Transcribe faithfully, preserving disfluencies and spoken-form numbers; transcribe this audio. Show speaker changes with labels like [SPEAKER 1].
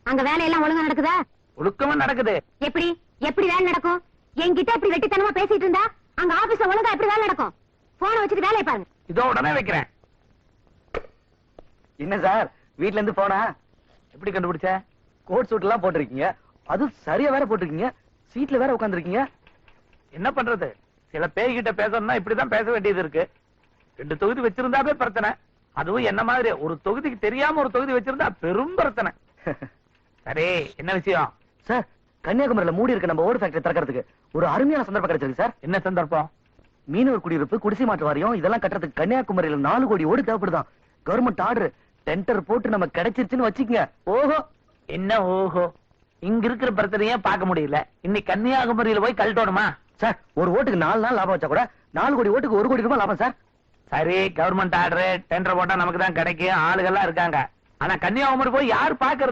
[SPEAKER 1] அங்க வேலையெல்லாம் ஒழுங்கா நடக்குதா?
[SPEAKER 2] ஒழுக்கமா நடக்குது.
[SPEAKER 1] எப்படி எப்படி வேலை நடக்கும்? என்கிட்ட இப்படி வெட்டித்தனமா பேசிட்டு இருந்தா அங்க ஆபீஸ்ல ஒழுங்கா எப்படி வேலை நடக்கும்? போன வச்சுட்டு வேலையை பாருங்க.
[SPEAKER 2] இதோ உடனே வைக்கிறேன்.
[SPEAKER 3] என்ன சார் வீட்ல இருந்து போனா
[SPEAKER 2] எப்படி கண்டுபிடிச்ச?
[SPEAKER 3] கோட் சூட் எல்லாம் போட்டிருக்கீங்க, அது சரியா வேற போட்டிருக்கீங்க, சீட்ல வேற உட்காந்துருக்கீங்க.
[SPEAKER 2] என்ன பண்றது, சில பேய்கிட்ட பேசணும்னா இப்படிதான் பேச வேண்டியது இருக்கு. ரெண்டு தொகுதி வச்சிருந்தாவே பிரச்சனை, அதுவும் என்ன மாதிரி ஒரு தொகுதிக்கு தெரியாம ஒரு தொகுதி வச்சிருந்தா பெரும் பிரச்சனை. சரி, என்ன விஷயம்?
[SPEAKER 3] சார், கன்னியாகுமரியில மூடி இருக்க நம்ம ஓடு ஃபேக்டரி திறக்கிறதுக்கு ஒரு அருமையான சந்தர்ப்பம் கிடைச்சிருக்கு சார்.
[SPEAKER 2] என்ன சந்தர்ப்பம்?
[SPEAKER 3] மீனவர் குடியிருப்பு, குடிசை மாற்று வாரியம் இதெல்லாம் கட்டுறதுக்கு கன்னியாகுமரியில நாலு கோடி ஓடு தேவைப்படுதான். கவர்மெண்ட் ஆர்டர், டெண்டர் போட்டு நம்ம கிடைச்சிருச்சுன்னு வச்சுக்கங்க. ஓஹோ.
[SPEAKER 2] என்ன ஓஹோ? இங்க இருக்கிற பிரச்சனையே பார்க்க முடியல, இன்னைக்கு கன்னியாகுமரியில போய் கழட்டணுமா?
[SPEAKER 3] சார், ஒரு ஓட்டுக்கு நாலு நாள் லாபம் வச்சா கூட நாலு கோடி ஓட்டுக்கு ஒரு கோடி ரூபாய் லாபம் சார்.
[SPEAKER 2] சரி, கவர்மெண்ட் ஆர்டர் டெண்டர் போட்டா நமக்கு தான் கிடைக்கும், ஆளுகள்லாம் இருக்காங்க. ஆனா கன்னியாகுமரி போய் யார் பாக்குறது?